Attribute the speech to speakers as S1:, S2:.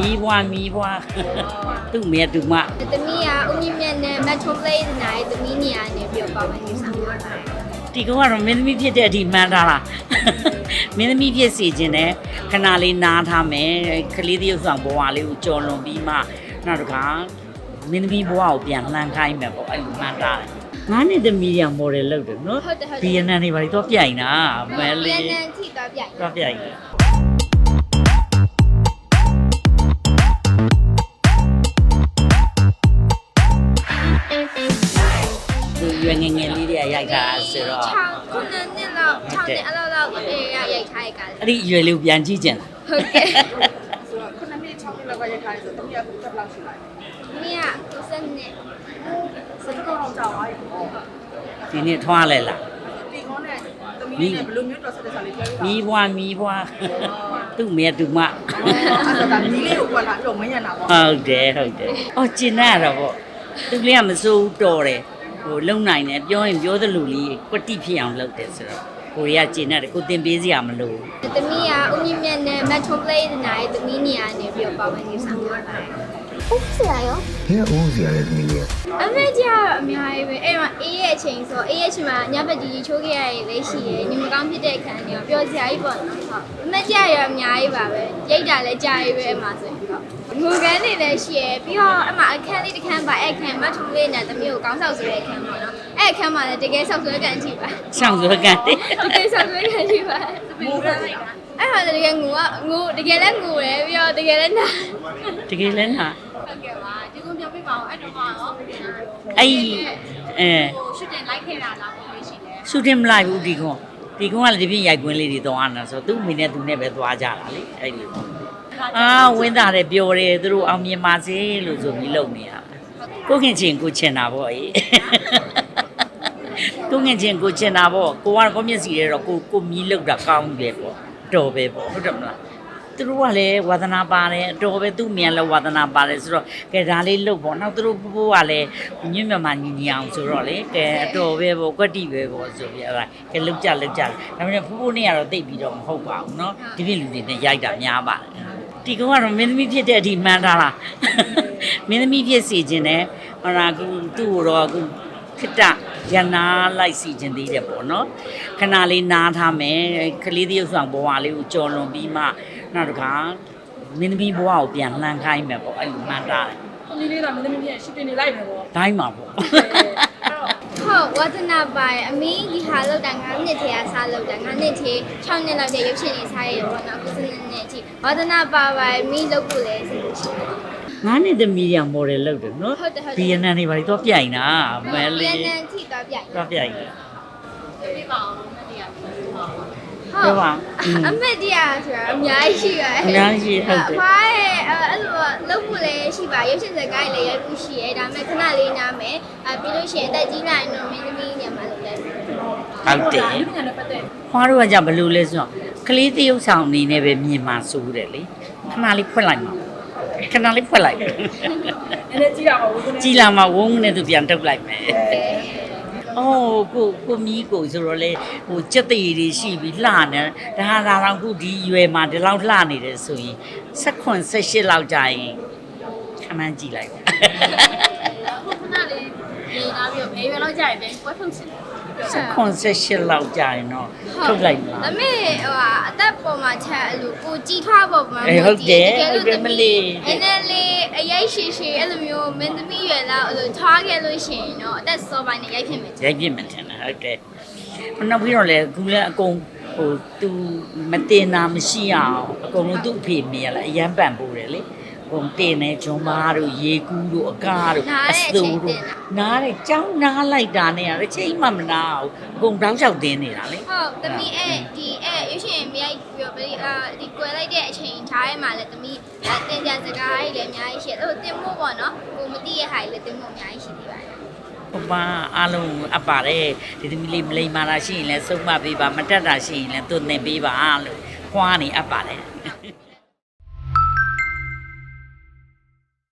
S1: မီးဘွားသူ့မေသူမ
S2: တမီးကဦးမြင့်မြတ်နဲ့မက်ထရိုပလေးနိုင်တမီးနေရာနေပြီးတော့ပါဝင်နေဆောင်ပါပါတယ်
S1: ဒီကောင်ကတော့မင်းသမီးဖြစ်တဲ့အထိမှန်းထားတာမင်းသမီးဖြစ်စီခြင်းနဲ့ခဏလေးနားထားမယ်ကလေးတယောက်ဆောင်ဘဝလေးကိုကြော်လွန်ပြီးမှနောက်တစ်ခါမင်းသမီးဘဝကိုပြန်လှမ်းခိုင်းမယ်ပေါ့အဲ့လိုမှန်းထားတယ်ငါးနှစ်သမီးရမော်ဒယ်လုပ်တယ်နော်ဘီယန်နန်တွေဘာလို့တော့ပြိုင်တာမဲလေး
S2: ဘီယန်နန်ထိသွားပြိုင်
S1: တော့ပြိုင်ရွယ်ငယ်ငယ်လေးတွေကရိုက်တာဆိုတော့
S2: 6ခုနှစ်လောက်6နှစ်အလောက်အေးရိုက်ထားရကြတယ်
S1: အဲ့ဒီရွယ်လေးကိုပြန်ကြည့်ကြင်လား
S2: ဟုတ်ကဲ့
S3: ဆိုတော့ခုနှစ်နှစ်6နှစ်လောက်ကရိုက်ထားတယ်ဆိုတော့တမီးကဘယ်လောက်ရှိလဲ
S2: မီးက90နှစ်
S3: စက်ကောင်းကြောက်သွားပြီပေါ့
S1: ဒီနေ့ထွားလဲလား
S3: ဒီကောင်းနဲ့တမီးနဲ့ဘယ်လိုမျိုးတော်ဆက်တဲ့စာလေးပြောပြပါ
S1: မီးဘွားသူ့မေသူမ
S3: အဲ့တော့ဒါမီးလေးကိုကွာလာပြီးတော့မင်းရနာပေါ့
S1: ဟုတ်တယ်အော်ကျင်ရတော့ပေါ့သူလေးကမစိုးတော်တယ်ဟိုလုံနိုင်တယ်ပြောရင်ပြောသလိုလေးကွတိဖြစ်အောင်လုပ်တယ်ဆိုတော့ကိုရီးယားကျင်ရတယ်ကိုတင်ပေးစရာမလို
S2: တမီးကဦးမြင့်မြတ်နဲ့မက်ထရိုပလေးနိုင်တမီးနေရာနေပြီးတော့ပါဝင်နေဆောင်ပါပါတယ်ဦးစရာရော
S4: ဘယ်ဦးစရာလဲသမီးလေး
S2: အမေကြီးကတော့အများကြီးပဲအဲ့တော့အေးရဲ့အချိန်ဆိုအေးရဲ့အချိန်မှာညဘက်ကြီးချိုးခဲ့ရရေးလေးရှိရယ်ညီမကောင်းဖြစ်တဲ့အခန်းတွေပြောစရာကြီးပေါ့နော်ဟုတ်အမေကြီးရောအများကြီးပါပဲရိတ်တာလည်းကြာရေးပဲအမှဆိုရင်ဟုတ်ငိုကန်းနေလည်းရှိရယ်ပြီးတော့အမှအခန်းလေးတစ်ခန်းပါအဲ့အခန်းမထူလေးနဲ့သမီးကိုကောင်းဆောက်ဆိုတဲ့အခန်းပေါ့နော်အဲ့အခန်းမှာလည်းတကယ်ဆောက်ဆွဲကန်ကြည့်ပါ
S1: ဆောက်ဆွဲကန်
S2: တကယ်ဆောက်ဆွဲကန်ကြည့်ပါသမီးကအဲ့မှာတကယ်ငိုတကယ်လည်းငိုတယ်ပြီးတော့တကယ်လည်းနာ
S1: တကယ်လည်းနာ
S2: ဟုတ်ကဲ့ပါဒီကုန်းပြောပြပါအောင်အဲ့တော့ရော
S1: အဲ့ဟို
S2: ရှူတင်လိုက်ခဲ့တာလားပုံလေးရှိတယ်
S1: ရှူတင်မလိုက်ဘူးဒီကုန်းကလည်းဒီပြည့်ရိုက်ကွင်းလေးတွေသွားနေတာဆိုသူ့မိနဲ့သူနဲ့ပဲသွားကြတာလေအဲ့လိုဝင်းသားတယ်ပျော်တယ်သူတို့အောင်မြင်ပါစေလို့ဆိုပြီးလုပ်နေတာကိုခင်ချင်းကိုချင်တာပေါ့အေးကိုခင်ချင်းကိုချင်တာပေါ့ကိုကတော့မျက်စီရဲတော့ကိုမီးလောက်တာကောင်းတယ်ပေါ့တော်ပဲပေါ့ဟုတ်တယ်မလားသူတို့ကလည်းဝါသနာပါတယ်အတော်ပဲသူ့မြန်လည်းဝါသနာပါတယ်ဆိုတော့ကဲဒါလေးလုပ်ပေါ့နောက်သူတို့ဘိုးကလည်းညွန့်မြတ်မှညီအောင်ဆိုတော့လေကဲအတော်ပဲပေါ့ကွက်တိပဲပေါ့ဆိုပြီးအဲ့ဒါကဲလုပ်ကြဒါပေမဲ့ဖိုးနဲ့ကတော့တိတ်ပြီးတော့မဟုတ်ပါဘူးเนาะဒီပြည့်လူတွေနဲ့ရိုက်တာများပါတယ်ဒီကောင်ကတော့မင်းသမီးဖြစ်တဲ့အထိမှန်းထားတာမင်းသမီးဖြစ်စီခြင်းနဲ့ဟောသူ့ကိုတော့အခုခတရနာလိုက်စီခြင်းသေးတယ်ပေါ့နော်ခဏလေးနားထားမယ်ကလေးတယောက်ဆောင်ဘဝလေးကိုကြော်လွန်ပြီးမှနောက်တစ်ခါမင်းသမီးဘဝကိုပြန်လှမ်းခိုင်းမယ်ပေါ့အဲ့လိုမှန်းထားတယ်
S3: သမီးလေးကမင်းသမီးရဲ့ရှူတင်နေလိုက်မယ်ပေါ့
S1: တိုင်းမှာပေါ့
S2: ဟုတ်ဝါသနာပါအမင်းဒီဟာလောက်တာ9နှစ်ထဲကစားလောက်တာ9နှစ်ထဲ6နှစ်လောက်တဲ့ရုပ်ရှင်တွေစားရတော့နော်9နှစ်အထိဝါသနာပါအမင်းလောက်ဖို့လဲဆိုလို့ရှိတယ်
S1: ငါးနှစ်သမီးရမော်ဒယ်လုပ်တယ်နော်ဘီယန်နန်တွေဘာလို့တော့ပြိုင်တာမဲလေး
S2: ဘီယန်နန်ထိသွားပြိုင်
S1: တော့ပြိုင်တယ်
S2: ပြပါအောင်မတရားဘူးဟုတ်ပါအမတ်တရားဆိုတာအများကြီးရှိပါတယ်
S1: အများကြီးဟုတ်တယ်
S2: ဘာရဲ့အဲ့လိုလုပ်ဖို့လည်းရှိပါရုပ်ရှင်စကားလည်းရိုက်ဖို့ရှိရဲဒါပေမဲ့ခဏလေးနားမယ်ပြီးလို့ရှိရင်အသက်ကြီးလာရင်တော့မင်းသမီးညမှာလုပ်တယ်
S1: ဟုတ်တယ်ခွားတို့ကကြဘယ်လိုလဲဆိုတော့ကလေးတရုပ်ဆောင်အနေနဲ့ပဲမြင်မှာစိုးတယ်လေခဏလေးဖွက်လိုက်မှာခဏလေးဖွက်လိုက်
S3: အဲ့ဒါကြည့်ရမှာဝုန်းနဲ့
S1: ကြည်လာမှာဝုန်းနဲ့သူပြန်ထုတ်လိုက်မယ်အော်ကိုမီးကိုဆိုတော့လေဟိုစက်သေးတွေရှိပြီးလှနေဒါတော့ခုဒီရွယ်မှာဒီလောက်လှနေတယ်ဆိုရင်16 18လောက်ကြာရင်ခဏကြည့်လိုက်ပါ
S2: ခုခဏလေးနေလာပြီးဘယ်ရွယ်လောက်ကြာရင်ပဲကွက်ထုတ်ချင်
S1: 18လောက်ကြာရင်တော့ထုတ်လိုက်ပါ
S2: အမေဟိုအသက်ပေါ်မှာချက်အဲ့လိုကိုကြည်ထွားပေါ်မှာ
S1: ဟုတ်တယ်မလေး
S2: အဲ့နဲ့လေအရေးရှိအဲ့လိုမျိုးမင်းသမီးရွယ်လောက်အဲ့လိုထွားခဲ့လို့ရှိရင်တော့အသက်စောပိုင်းနဲ့ရိုက်ဖြစ်မယ်
S1: ထင်တယ်ဟုတ်တယ်နောက်ပြီးတော့လေခုလည်းအကုန်ဟိုသူမတင်တာမရှိအောင်အကုန်လုံးသူ့အဖေမြင်ရလားအရန်ပန်ပိုးတယ်လေပုံတင်နေဂျွန်မားတို့ရေကူးတို့အကားတို့အစိုးတို့နားတယ်ကြောင်းနားလိုက်တာနဲ့ရချိန်မှမနာဘူးအကုန်တောင်းလျှောက်တင်းနေတာလေ
S2: ဟုတ်သမီးဒီရွှေရှင်မြိုက်ပြီးတော့ဒီကွယ်လိုက်တဲ့အချိန်ထားရဲမှာလည်းသမီးတင်ကြစကားကြီးလည်းအများကြီးရှိတယ်ဟိုတင်မို့ပေါ့နော်ကိုမသိရဟာကြီးလည်းတင်မို့အများကြီးရှိသေးပါတယ်
S1: ဟိုပါအားလုံးအပ်ပါတယ်ဒီသမီးလေးမလိမ္မာတာရှိရင်လည်းစုံမပေးပါမတက်တာရှိရင်လည်းသူ့သင်ပေးပါလို့ခွားနေအပ်ပါတယ်